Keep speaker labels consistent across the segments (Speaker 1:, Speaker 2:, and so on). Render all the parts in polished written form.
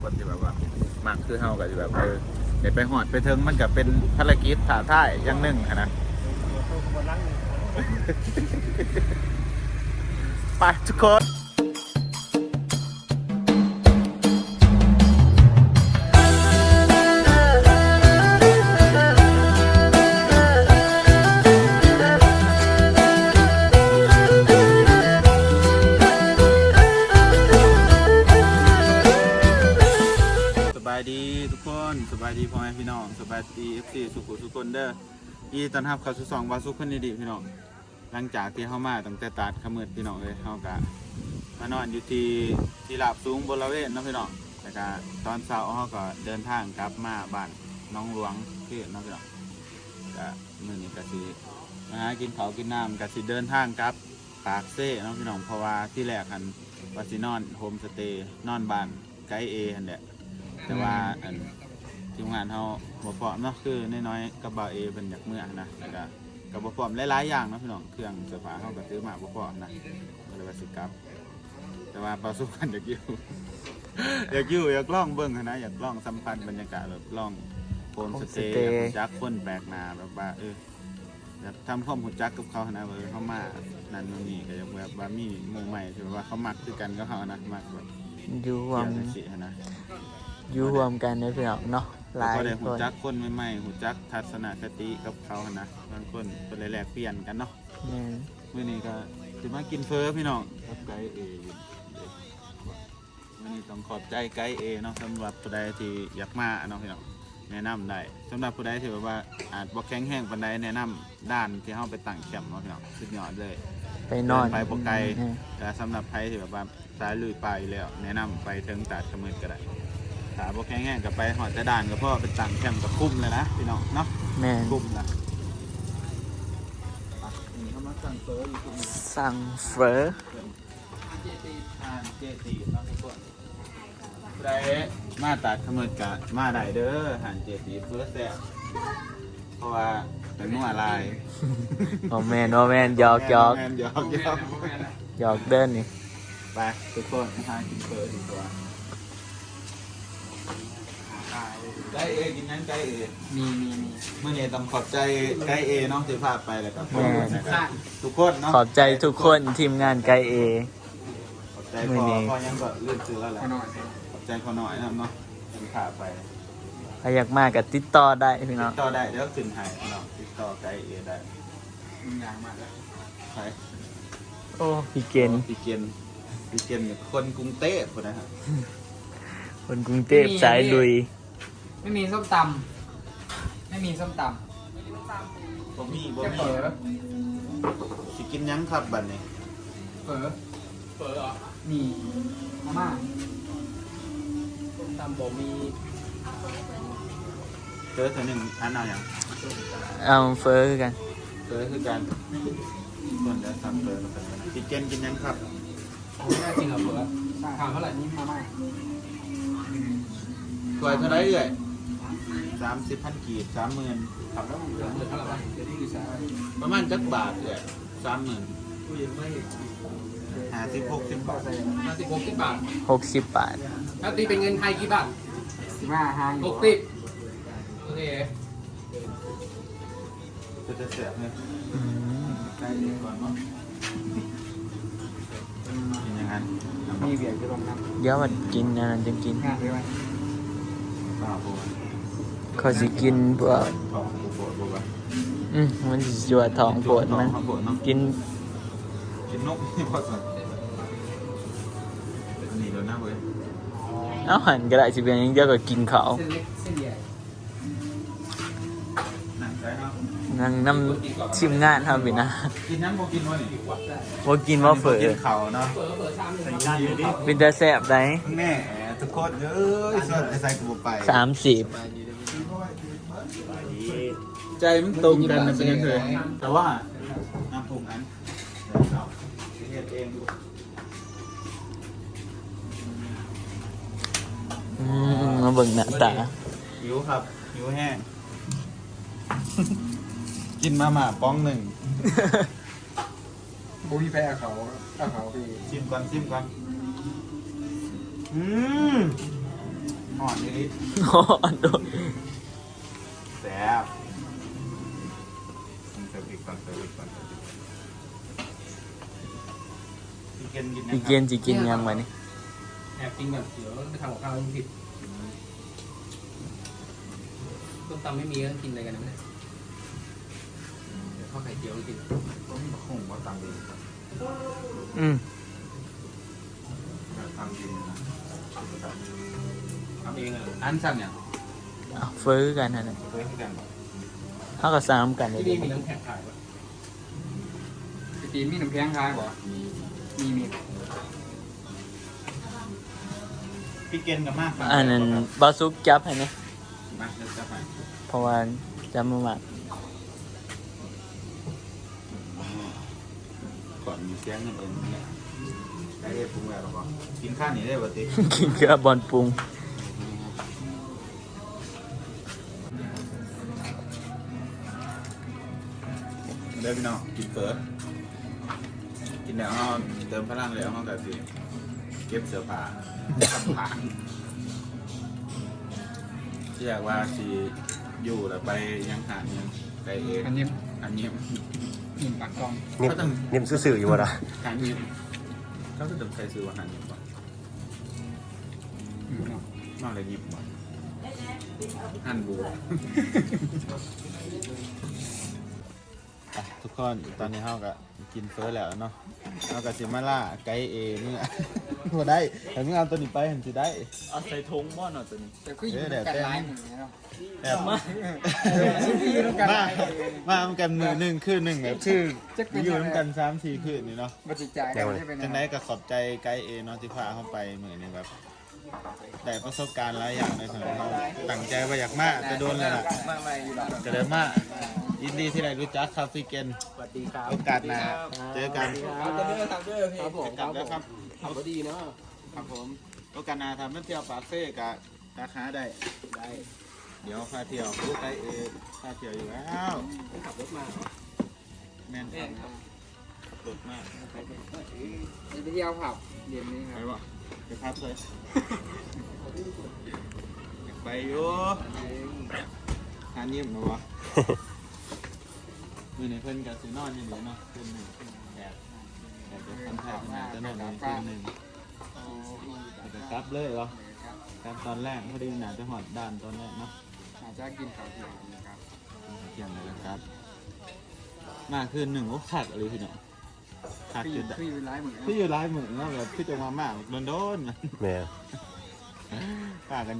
Speaker 1: คนที่แบบว่ามากคือเฮาก็จะแบบเดี๋ยวไปหอดไปถึงมันก็เป็นภารกิจท้าทายอย่างหนึ่งนะไปทุกคนสบายดีทุกคนสบายดีพ่อแม่พี่น้องสบายดีFCสุขุสุคนเด้อที่ต้อนรับเข้าสู่ช่องวาสุคนดีพี่น้องหลังจากที่เข้ามาตั้งแต่ตัดขมืดพี่น้องเลยเฮากะมานอนอยู่ที่ลาบสูงบริเวณนะพี่น้องแล้วก็ตอนเช้าเฮาก็เดินทางกลับมาบ้านน้องหลวงที่น้องพี่น้องก็มื้อนี้ก็สิมาหากินข้าวกินน้ำก็สิเดินทางกลับปากเซ่น้องพี่น้องเพราะว่าที่แรกหันว่าสินอนโฮมสเตย์นอนบ้านไกด์เอหันแหละแต่ว่าทีมงานเขาบ่พร้อมเนาะคือน้อยๆกับบ่าวเอเป็นอยากเมื่อนะแล้วก็กับบ่พร้อมหลายๆอย่างเนาะพี่น้องเครื่องเสื้อผ้าเขาก็ซื้อมาบ่พร้อมนะก็เลยว่าสิกลับแต่ว่าเปาสู้กันอยากอยู่อยากลองเบิ่งนะอยากลองสัมผัสบรรยากาศแบบลองโฮมสเตย์อยากรู้จักคนแปลกหน้าแบบว่าอยากทำความรู้จักกับเขานะว่าเขามานั่นนี่ก็อยากแบบว่ามีหมู่ใหม่ที่ว่าเขามักคือกันกับเขานะมักแบบ
Speaker 2: อยู่รวม
Speaker 1: นะ
Speaker 2: อยู่รวมกันในพี่น้องเนาะหลาย
Speaker 1: คนหูจักคนใหม่ๆหูจักทัศนคติกับเขานะบางคนเป็นแลกเปลี่ยนกันเนาะมื้อนี้ก็จะมากินเฟอพี่น้องกับไกด์เอมื้อนี้ต้องขอบใจไกด์เอเนาะสำหรับผู้ใดที่อยากมาเนาะพี่น้องแนะนำได้สำหรับผู้ใดที่แบบว่าอาจบ่แข็งแรงปานใดแนะนำด้านที่เฮาไปตั้งแคมป์เนาะพี่น้องสุดยอดเลย
Speaker 2: ไปนอน
Speaker 1: ไปบ่ไกลแต่สำหรับใครที่แบบว่าสายลุยป่าอยู่แล้วแนะนำไปถึงตาดขมืดก็ได้ถ้าบ่แข็งแรงก็ไปหอดจะด่านก็พอไปตั้งแคมป์กับคุ้มเลยนะพี่น้องเนาะ
Speaker 2: แม่
Speaker 1: คุ้มนะ
Speaker 2: สั่งเฟอ
Speaker 1: เจตีเนาะทุกคนใครมาตาดขมืดก็มาได้เด้อหานเจตีเฟอแซ่บเพราะว่าเป็นนัวลาย
Speaker 2: โอแมนหยอก
Speaker 1: หยอก
Speaker 2: เดินนี่
Speaker 1: ไปทุกคนหากินเฟอดีกว่าไกด์เอกินนั้นไกด์เอ
Speaker 2: มี
Speaker 1: เมื่อนี้ต้องขอบใจไกด์เอน้องที่พาไปแล้วก็ทุกคนเนาะ
Speaker 2: ขอบใจทุกคนทีมงานไกด์เอ
Speaker 1: ขอบใจพอยังก็เลื่อนซื้อแล้วแหละขอบใจพอหน่อยนะเนาะที่พาไป
Speaker 2: ใครอยากมาก็ติดต่อได้พี่น้อง
Speaker 1: ติดต่อได้เดี๋ยวขึ้นให้เนาะติดต่อไกด์เอได้อยากมาแล้วใคร
Speaker 2: โอ้พี่เกณฑ์
Speaker 1: คนกรุงเทพคนนะครับ
Speaker 2: คนกรุงเทพสายลุย
Speaker 3: ไม่มีส้มตำ
Speaker 1: บ่มีสิกินยังครับบัดนี้
Speaker 3: เฝอเหรอมีมาม่าส้มตำบ่มี
Speaker 1: เจอตัวหนึ่งอันเอาอย่าง
Speaker 2: เอาเฟอคือกัน
Speaker 1: ส่วนจะทำเฟอสิกินยังครับ
Speaker 3: ไม่ได้จริงเหรอเฝอถามเท่าไหร่นี่มาม่า
Speaker 1: ถ้วยเท่าไรเอ่ย30,000 กีบ 30,000ครับแล้วเหลือเท่าไหร่ประมาณจักบาทเลย30,000ผู้ยังไม่50-60 บาท
Speaker 3: 60 บาท
Speaker 2: 60 บาท
Speaker 3: ถ้าตีเป็นเงินไทยกี่บาท60โอเค
Speaker 1: จะเสียบเลยได้ดีก่อนเนาะเป็นยังไง
Speaker 3: มีเบียร์จะลงน้
Speaker 2: ำเดี๋ยวมันกินนะจะกินเขาสิกินพวกมันสิจั่วท้องปวดมันกิน
Speaker 1: นกนี่พอสันนี่แล้วนะเว้ย
Speaker 2: เอาหันก็ได้สิเป็นยังเดียวก็กินเขานั่งน้ำชิมงานทำไปนะ
Speaker 1: กินน้ำบ่กินวะนี่
Speaker 2: บ่กินว่าเฝอ
Speaker 1: กินเขาเนาะ
Speaker 2: เป็นตาแซ่บได้
Speaker 1: แม่ทุกคนเอ้ยส่วนใส่กูไป
Speaker 2: 30
Speaker 1: ใจมันตรงกันเป็นยังไงแต่ว่าน้ำปรุงอันเฮ็ดเอง
Speaker 2: มาเบิ่งหน้าตา
Speaker 1: หิวครับหิวแห้งกินมาม่าป้องหนึ่ง
Speaker 3: บุ้ยแพ้เขาพี่
Speaker 1: ชิมก่อนหอนนิด
Speaker 2: อ๋อโดน
Speaker 1: แซ่บเติมพริกก่อนพี่เกนกิน
Speaker 2: จีเกนจีกินยังมานี่
Speaker 3: แอบกินแบบเดี๋ยวไปทำกับข้าวมันผิดต้มตำไม่มีก็กินอะไรกันนะเดี๋ยวข้าวไข่เจียวกิน
Speaker 1: ก็มีคงว่าตามดี
Speaker 2: อืม
Speaker 1: ตามดีนะ
Speaker 3: ทำเองอ่ะ
Speaker 1: อันสั่งเนี่ย
Speaker 2: เอาฟื้อกันนะเนี่ย
Speaker 1: เคยให้กันบอก
Speaker 2: เขาก็ซ้ำกันเลย
Speaker 3: ที่นี่มีน้ำแข็งขายป่ะพี่จีนมีน้ำแข็งขายป่ะมี
Speaker 1: พี่เกนกับมาก
Speaker 2: อันนั้นบาซุกจับให้เนี่ย
Speaker 1: มาเดี๋ยวจะไป
Speaker 2: เพราะว่าจำมาหมัก
Speaker 1: ก่อนมีเสียงเงินเองเนี่ยได้ปรุงแล้วหรอกินข้าวนี่ได้ปกติ
Speaker 2: กินเกลือบอลปรุง
Speaker 1: เด้อพี่น้องกินเฟิร์สกินแล้วเอาเติมพลังแล้วเอากับสิเก็บเสื้อผ้าขับผ่านที่อยากว่าสิอยู่แล้วไปยังหายังไปเอง
Speaker 3: อันนี้
Speaker 1: อันนี้
Speaker 3: หินปากกอง
Speaker 4: นิ่มซื่อๆอยู่วะล่ะ
Speaker 1: หานี้เขาจะต้องใช้ซื้อว่าหานี้ก่อนนอกเลยยิบก่อนหั่นบู ทุกคนตอนนี้เฮาก็กินเฟิร์สแล้วเนาะเฮาก็สิมาล่าไก่เอเมื่อ บ่ได้แต่เมื่อเอาตัวนี้ไปเห็นสิได้
Speaker 2: เอาใส่ทงบ่อนเอาตัวนี้
Speaker 3: แต่ก็อยู่กันร้ายหนึ่งเนาะ
Speaker 1: แบบมาทำกันมือหนึ่งคืนหนึ่งแบบชื่ออยู่น้ำกัน3-4คืนนี่เนาะ
Speaker 3: บัจิจ่ายกันได้เป็น
Speaker 1: จังไดก็ขอบใจไกด์เอเนาะที่พาเข้าไปเหมือนนี่แบบได้ประสบการณ์หลายอย่างในสมัยเราตั้งใจว่าอยากมาจะโดนเลยล่ะ
Speaker 3: มาอะไรอยู่บ้าง
Speaker 1: ก็เลยมายินดีที่ได้รู้จักครับพี่เกน
Speaker 3: สวัสดีครับ
Speaker 1: โอกาสหน้าเจอกัน
Speaker 3: ครับเด้อครับเด้อพี่ครับผม
Speaker 1: กลับแล้วครับ
Speaker 3: ขับดีเนาะครับผม
Speaker 1: โอกาสหน้าทำนั่นเที่ยวปาเฟ่กับราคาได้
Speaker 3: ได้
Speaker 1: เดี๋ยวพาเที่ยวรู้ไกด์เอพาเที่ยวอยู่แล้ว
Speaker 3: ขับรถมา
Speaker 1: แม่น
Speaker 3: แม่ครับ
Speaker 1: ขับรถมาก
Speaker 3: ไปเที่ยวผับเย็นนี้ค
Speaker 1: ไป
Speaker 3: รับ
Speaker 1: วะไปพักเลยอยากไปอยู่หานิ่มมาวะ มือในเพิ่นกับสีนอนอย่างเดียวเนาะคืนหนึ่งแอบจะทำแทนจะนอนในคืนหนึ่งจะกลับเลยเหรอกลับตอนแรกพอดีหนาจะหอดด้านตอนแรกเนาะ
Speaker 3: อาจจะกินข้าวเที่ยงนะครับ
Speaker 1: เที่ยงเลยนะครับ มาคืนหนึ่งโอ้ขาดอะไรพี่เนาะขาด
Speaker 3: คือ
Speaker 1: จุด
Speaker 3: คืออยู่ร้ายเหมือนกัน
Speaker 1: ที่อยู่ร้ายเหมือนเนาะแบบที่จะมามากโดน
Speaker 4: แม่
Speaker 1: ป้ากัน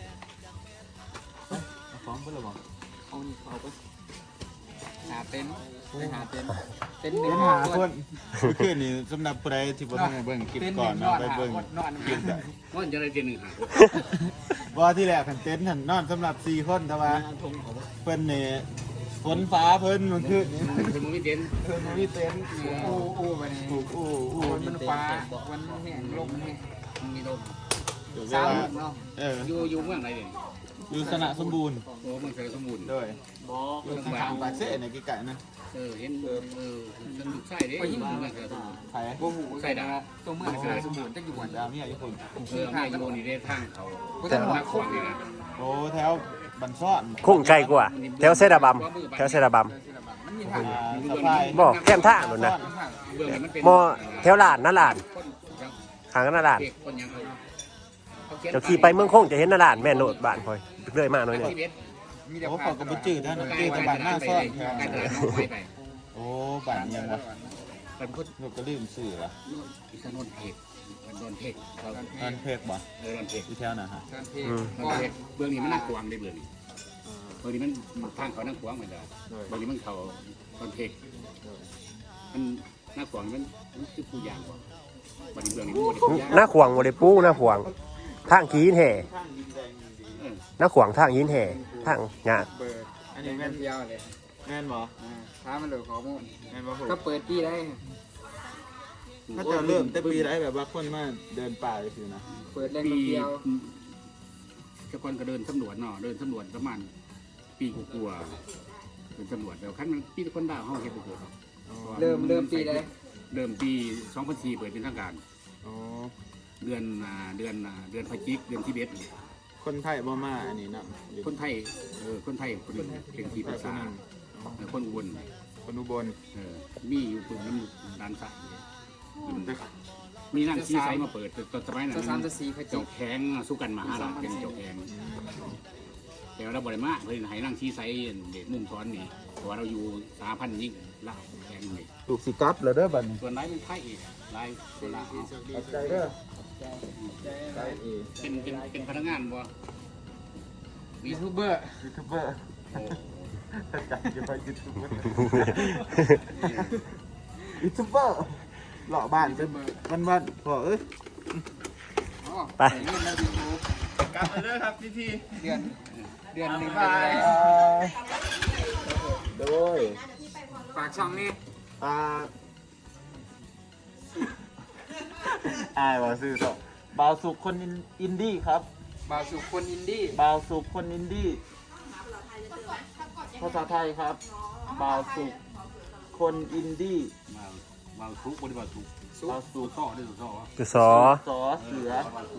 Speaker 1: เอาฟ้องเพื่อนหรอบอก
Speaker 3: เอานี่เขาไปหาเต็นท์ไปหาเต็นท์เต็นท์ห
Speaker 1: เดิ
Speaker 3: นึ่ง
Speaker 1: นหาคนคืนนี้สำหรับผู้ใดที่บ่ทันได้เบิ่งคลิปก่อนเนาะไปเบิ่ง
Speaker 3: นอน
Speaker 1: คลิปได้
Speaker 3: นอนจะได้เต็นท์หนึ่งหา
Speaker 1: ว่าที่แรกขันเต็นท์หันนอนสำหรับ4คนแต่ว่า
Speaker 3: ทงเขา
Speaker 1: เพิ่นนี่ฝนฟ้าเพิ่นมันคือนี่
Speaker 3: เป็นมือเต็นท์
Speaker 1: เพิ่นบ่มีเต็นท์
Speaker 3: อู้ไปนี่
Speaker 1: ถูกอู้
Speaker 3: มันฟ้ามันแห้งลมมันแห้งมันมีลม
Speaker 1: เดี๋ยวเว
Speaker 3: สาม
Speaker 1: ลา
Speaker 3: ลูกเนาะ อยู่เมืองไหนเนี่ย
Speaker 1: อยู่สนะสมบูรณ์
Speaker 3: โอ้เมืองเสรสมบูรณ์
Speaker 1: โดยอยู่ทางปากเซ่ในใกล้ๆนะ
Speaker 3: เห็นสนุกใส่เด้อยู่เมืองเสรสมบูรณ์
Speaker 1: ไผ
Speaker 3: โอ้โหใส่ดาตัวเมืองเสรสมบูรณ์จักอยู่วัน
Speaker 1: ดาวมีอยู่คน
Speaker 3: แม่อยู่นี่ได้ทางเขาแต่ว่าขวางนี่นะ
Speaker 1: โอ้แถวบันซ่อน
Speaker 4: คุ้งไกลกว่า แถวเซดาบัมแถวเซดาบัม
Speaker 3: มันมีทาง
Speaker 1: สะพาย
Speaker 4: บ่แคมท่าหนุนนะ
Speaker 3: เบื้องมันเป็น
Speaker 4: มอแถวลานนั่นลานหางนั่นลาน
Speaker 3: เด็กคนยังเขา
Speaker 4: เจ้าขี่ไปเมืองคงจะเห็นนั่นลานแม่นโนดบ้านคอยเรื่อยมากหน่อยหนึง
Speaker 1: โอ้ขอกระบุจืดนะหนังจืดแต่บ้านหน้าซ่อนแถว
Speaker 3: การตลาดน้องไปไป
Speaker 1: โอ้บ้านยังวะ
Speaker 3: เป็นพุทธ
Speaker 1: ลูกก็ลืมสื่อละ
Speaker 3: อิสนนเพกโดนเพกเขา
Speaker 1: อันเพกบ่
Speaker 3: โดนเพก
Speaker 1: อยู่แถวน่ะฮะ
Speaker 4: อืม
Speaker 3: เบื้องนี้มันน่ากวางได้เบื้องนี้เบื้องนี้มันทางเขาน่ากวางเหมือนกันเบื้องนี้มันเขาโดนเพกมันน่ากวางมันคือผู้ยางกว่าวันนี้เบื้องนี้มันบริผู้ยาง
Speaker 4: หน้าขวางบ่ได้ปูหน้าขวางทางขี้หินแห่
Speaker 1: ข้างดินแดงดี
Speaker 4: หน้าขวางทางหินแห่ทางงา
Speaker 3: เปิด
Speaker 1: อันนี้แม่น
Speaker 3: เที่ยวเลย
Speaker 1: แม่นบ่
Speaker 3: ท้ามันเลยข้อมูล
Speaker 1: แม่นบ่โห
Speaker 3: ก็เปิดที่ได้
Speaker 1: ถ้าจะเริ่มแต่ปีไรแบบว่าคนมาเดินป่าเลยสินะ
Speaker 3: เปิดแรงเที่ยวทุกคนก็เดินสำรวจเนาะเดินสำรวจประมาณปีกลัวๆเดินสำรวจแล้วขั้นมันปีคนดาวห้องเฮ็ดบุก เริ่มปีได้เริ่มปี2004เปิดเป็นทางการ
Speaker 1: อ๋อ
Speaker 3: เดือนพฤศจิกเดือน11
Speaker 1: คนไทยบ่มาอันนี้เนาะ
Speaker 3: คนไทยคนไทยคนหนึ่งเป็นที่ปรึกษาคนอุบล
Speaker 1: คนอุบล
Speaker 3: มีอยู่ตรงน้ำด้านซ้ายมีนั่งซีไซมาเปิดตอนสมัยนั้น
Speaker 5: สามจะสี่เขา
Speaker 3: เจ้าแข้งสู้กันมาหาหลานเป็นเจ้าแข้งแต่เราบริมาเพื่อนให้นั่งซีไซเด็กมุ่งซ้อนนี่เพราะว่าเราอยู่3,000ยิ่งล่าแข้งนี่
Speaker 1: ลูกสิกลับแล้วเด้อบัดนี้
Speaker 3: ส่วนไลฟ์เป็นไทยอีกไลฟ์คนละ
Speaker 1: ขอบใจเด้อ
Speaker 3: เป็นพนักงานบ่
Speaker 5: ยูทูบเบอร์
Speaker 1: ยูทูบเบอร์จัดจะไปยูทูบเบอร์ยูทูบเบอร์หล่อบ้านเป็นวันพอเอ้ย
Speaker 4: ไป
Speaker 1: กลับไปเด้อครับพี่
Speaker 5: เดือนหนึ่ง
Speaker 1: บายโดย
Speaker 5: ฝากช่องนี้
Speaker 1: อายว่าซื้อต่อบ่าวสุขคนอินดี้ครับ
Speaker 5: บาวสุคนอินดี้
Speaker 1: บ่าวสุขคนอินดี้ภาษาไทยครับบ่าวสุขคนอินดี้
Speaker 3: มาทุกบริบาทุก
Speaker 1: บ่าวสุข
Speaker 3: ต่อได้ต่อ
Speaker 4: คือสอ
Speaker 1: สอเสือ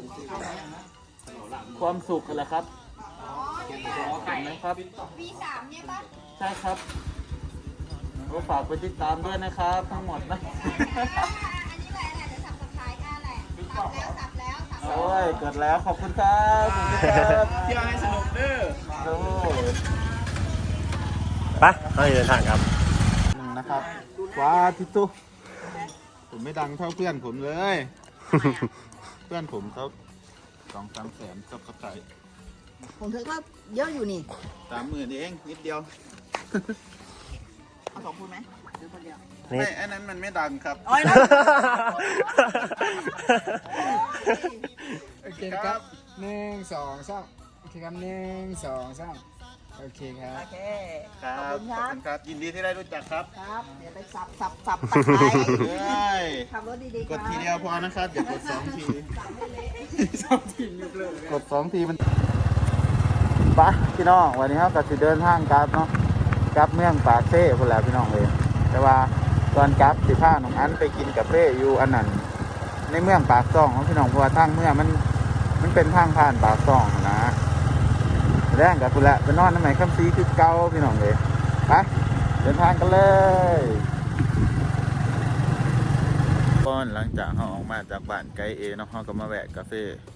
Speaker 1: ความสุขอะไรครับเห็นไหมครับ
Speaker 6: V3 เนี่ยปะ
Speaker 1: ใช่ครับก็ฝากไปติดตามด้วยนะครับ ทั้งหมดนะ
Speaker 6: อันนี้แหละเดี๋ยวสับสไครต์แหละสับแล้ว
Speaker 1: โอ้ยกดแล้วขอบคุณครับขอบคุณครับ
Speaker 2: เที่ยวให้สนุกเด้อ
Speaker 1: โอ้ย
Speaker 4: ไปเราเดินทางครับ
Speaker 1: หนึ่งนะครับว้าทิตุผมไม่ดังเท่าเพื่อนผมเลย เพื่อนผมเขา2-3 แสนกับกระต่าย
Speaker 6: ผมถือว่าเยอะอยู่นี่
Speaker 1: 30,000เองนิดเดียว
Speaker 6: เอา2 คนไหมหรือคนเดียว
Speaker 4: นี่
Speaker 1: ไม่อันนั้นมันไม่ดังครับ
Speaker 6: โอ้ยนะ
Speaker 5: โอเคครับ1 2 3โอเคครับ1 2 3โอเคครับ
Speaker 6: โอเค
Speaker 1: ครับขอบคุณครับยินดีที่ได้รู้จักครับ
Speaker 6: ครับ เดี๋ยวไปสับตะไคร้
Speaker 1: ได้
Speaker 6: ขับรถดีๆ
Speaker 1: กดทีเดียวพอนะครับอย่ากด2 ที กด2 ทีมันปะพี่น้องวันนี้เราก็จะเดินทางกลับเนาะกลับเมืองปากเซ่คนแหละพี่น้องเลยแต่ว่าตอนกลับสิพาน้องอันไปกินกาแฟอยู่อันนั้นในเมืองปากซ่องของพี่น้องเพราะว่าทางเมืองมันเป็นทางผ่านปากซ่องนะแรงกับคุณละไปนอนน้ำไหนคำซีคือเก่าพี่น้องเลยไปเดินทางกันเลยก่อนหลังจากเราออกมาจากบ้านไกลเอเนาะเราก็มาแวะกาแฟ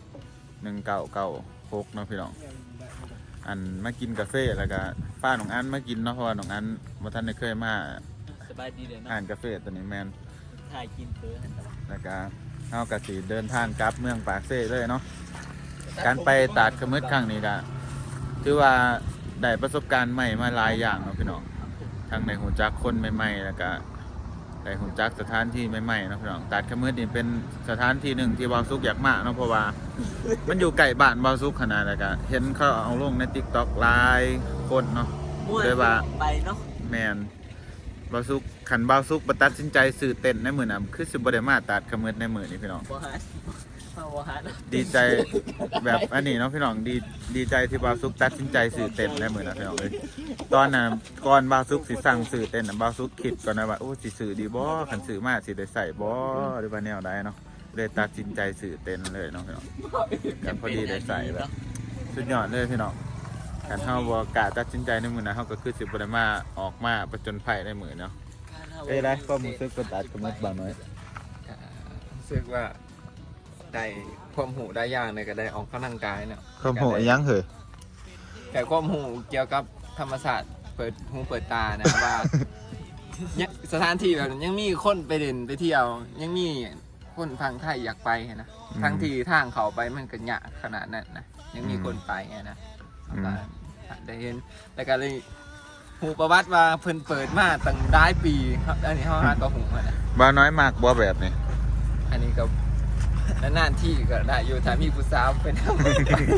Speaker 1: 1996เนาะพี่น้องอันมากินกาแฟแล้วก็ป้าหนองอันมากินเนาะเพราะว่าหนองอันบ่ทันได้เคยมา
Speaker 2: สบายดีเด้อเนาะ
Speaker 1: อ่านกาแฟตัวนี้แมน
Speaker 2: ถ่ายกินเพื่อให้ตลอด
Speaker 1: แล้วก็เฮาก็สิเดินทางกลับเมืองปากเซ่เลยเนาะการไปตาดขมึดครั้งนี้ก็ถือว่าได้ประสบการณ์ใหม่มาหลายอย่างเนาะพี่น้องทั้งในหูจักคนใหม่ๆแล้วก็ได้หูจักสถานที่ใหม่ๆเนาะพี่น้องตาดขมึดนี่เป็นสถานที่หนึ่งที่บ่าวสุกอยากมาเนาะเพราะว่า มันอยู่ใกล้บ้านบ่าวสุกขนาดแล้วก็เห็นเขาเอาลงใน TikTok หลายคนเนาะ เลยว่า
Speaker 2: ไปเนาะ
Speaker 1: แมนบาวซุกขันบาวซุกประตัดสินใจสื่อเต้นในมือน่ะคือสิบได้มาตัดขมืดในมือนี่พี่น้อง
Speaker 2: บ่ฮัดบ่ฮัด
Speaker 1: ดีใจแบบอันนี้เนาะพี่น้องดีใจที่บาวซุกตัดสินใจสื่อเต้นในมือน่ะพี่น้องเลยตอนน่ะก่อนบาวซุกสิสั่งสื่อเต้นน่ะบาวซุกคิดก่อนนะว่าโอ้สิสื่อดีบ่ขันสื่อมาสิได้ใส่บ่หรือว่าแนวใดเนาะเลยตัดสินใจสื่อเต้นเลยเนาะพี่น้องกันพอดีได้ใส่แบบสุดยอดเลยพี่น้องการเฮาบ่กล้าตัดสินใจในมือน่ะเฮาก็คือสิบ่ได้มาออกมาประจนภัยในมือเนาะ เอ้ยไรก็มึงซื้อกระดาษกระมัดบางน้อย
Speaker 5: รู้สึกว่าได้ความหูได้อย่างเลยก็ได้ออกกำลังกายเนาะ
Speaker 1: ข้าวโพดยังเหรอ
Speaker 5: แต่ความหูเกี่ยวกับธรรมศาสตร์เปิดหูเปิดตานะ ว่ายังสถานที่แบบนั้นยังมีคนไปเด่นไปเที่ยว ยังมีคนฟังไทยอยากไปนะทั้งที่ทางเขาไปมันก็ยากขนาดนั้นนะยังมีคนไปไงนะได้เห็นแต่ก็เลยหูประวัติว่าเพิ่นเปิดมาตั้งหลายปีครับอันนี้เขาหาตัวหูมานะ
Speaker 1: บ้าน้อยมากบ่แบบนี้
Speaker 5: อันนี้ก็นานๆที่ก็ได้อยู่ถ้ามีผู้สาวเป็นทำไป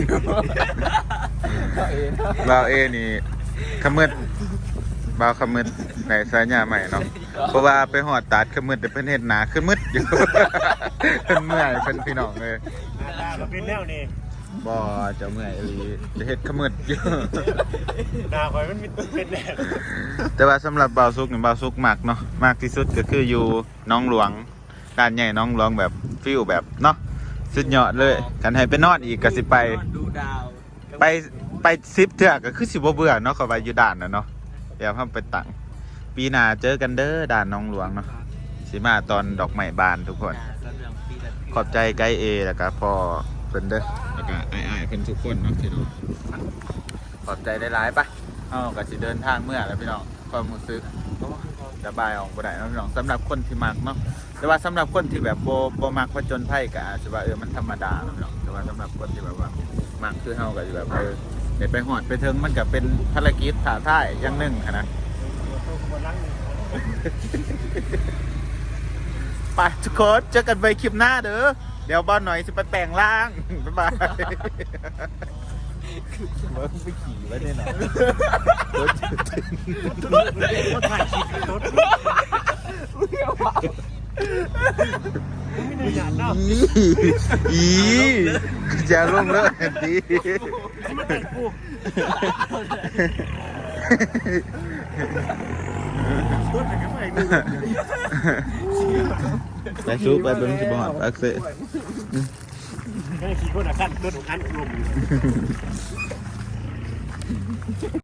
Speaker 5: ก็เอง
Speaker 1: บ่าวเอนี่ขมืดบ่าวขมืดในสายญาใหม่เนาะเพราะว่าไปหอดตัดขมืดแต่เพิ่นเฮ็ดหนาขึ้นมืดอยู่ เพิ่นเมื่อยเพิ่นพี่น้องเลย
Speaker 4: มันเป็นแนวนี้
Speaker 1: บ่เจะเมื่อยอีหลีจะเฮ็ดขมืดอยู่
Speaker 4: หน้าคอยมันเป็นแนว
Speaker 1: แต่ว่าสำหรับบ่าวซุกนี่บ่าวซุกมักเนาะมากที่สุดก็คืออยู่หน้องหลวงการใหญ่หน้องหลวงแบบฟิลแบบเนาะสุดยอดเลยกันให้ไปนอนอีกก็สิไป
Speaker 2: นอนดูดาว
Speaker 1: ไปซิปเถอะก็คือสิบ่เบื่อเนาะเขาไปอยู่ด่านนะเนาะเดี๋ยวพ่อไปตั้งปีหน้าเจอกันเด้อด่านน้องหลวงเนาะสิมาตอนดอกไม้บานทุกคน ขอบใจไกด์เอแล้วก็พ่อเพิ่นเด้อแล้วก็ไอ้ายๆเพิ่นทุกคนเนาะพี่น้องขอบใจได้หลายๆปะเอาก็สิเดินทางเมื่อแล้วพี่น้องความรู้สึกระบายออกบ่ได้เนาะพี่น้องสำหรับคนที่มักเนาะแต่ว่าสำหรับคนที่แบบบ่มักผจญภัยก็อาจจะว่ามันธรรมดาเนาะพี่น้องแต่ว่าสำหรับคนที่แบบว่ามักคือเฮาก็สิแบบได้ไปฮอดไปถึงมันก็เป็นภารกิจท้าทายอย่างหนึงหั้นนะไปทุกคนเจอกันใหม่คลิปหน้าเด้อเดี๋ยวบอลหน่อยจะไปแปลงร่าง บ๊ายบายเมื่อไปขี่ไว้ได้หน่อยรถจืดอีจะลงเลยดีไปซุปไปเป็นสิบหอดอักเสบ
Speaker 4: ขี่คนละขั้นต้นของขั้นลม